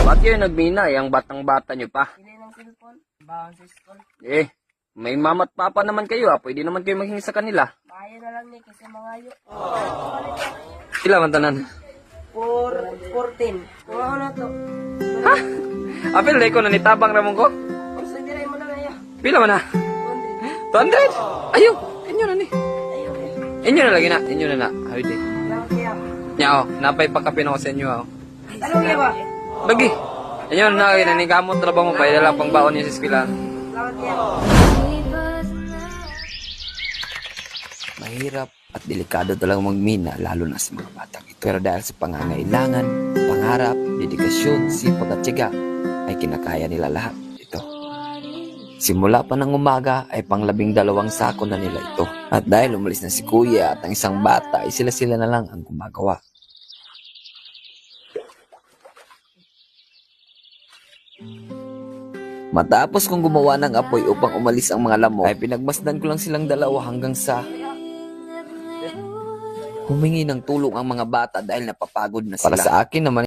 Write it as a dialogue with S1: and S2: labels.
S1: Ba't kayo nagmina? Yung batang-bata nyo pa.
S2: Hindi ng cellphone. Bawang sa school.
S1: May mama't papa naman kayo Pwede naman kayo maghingi sa kanila.
S2: Bayo na lang ni kasi mangayo.
S1: Sila man tanan.
S2: 14. Kung ako na to.
S1: Ha? Apil na ko na nitabang ramon ko.
S2: Kung sa diray mo na ngayon.
S1: Pila man na? 200? Ayaw! Inyo na ni. Inyo na lagi na. Inyo na na. Hawid eh.
S2: Salamat kaya.
S1: Nya napay pagkapin ako sa inyo
S2: Tanong niya ba?
S1: Lagi. Inyo na lagi na. Nikamot na ba mo pa? Dala pang baon niya sa eskwelahan.
S2: Salamat kaya.
S3: Mahirap at delikado talagang magmina lalo na sa mga batang ito. Pero dahil sa pangangailangan, pangarap, dedikasyon, sipag at tiyaga ay kinakaya nila lahat ito. Simula pa ng umaga ay pang-12 sako na nila ito. At dahil umalis na si kuya at ang isang bata ay sila-sila na lang ang gumagawa. Matapos kong gumawa ng apoy upang umalis ang mga lamok, ay pinagmasdan ko lang silang dalawa hanggang sa humingi ng tulong ang mga bata dahil napapagod na sila. Para sa akin naman,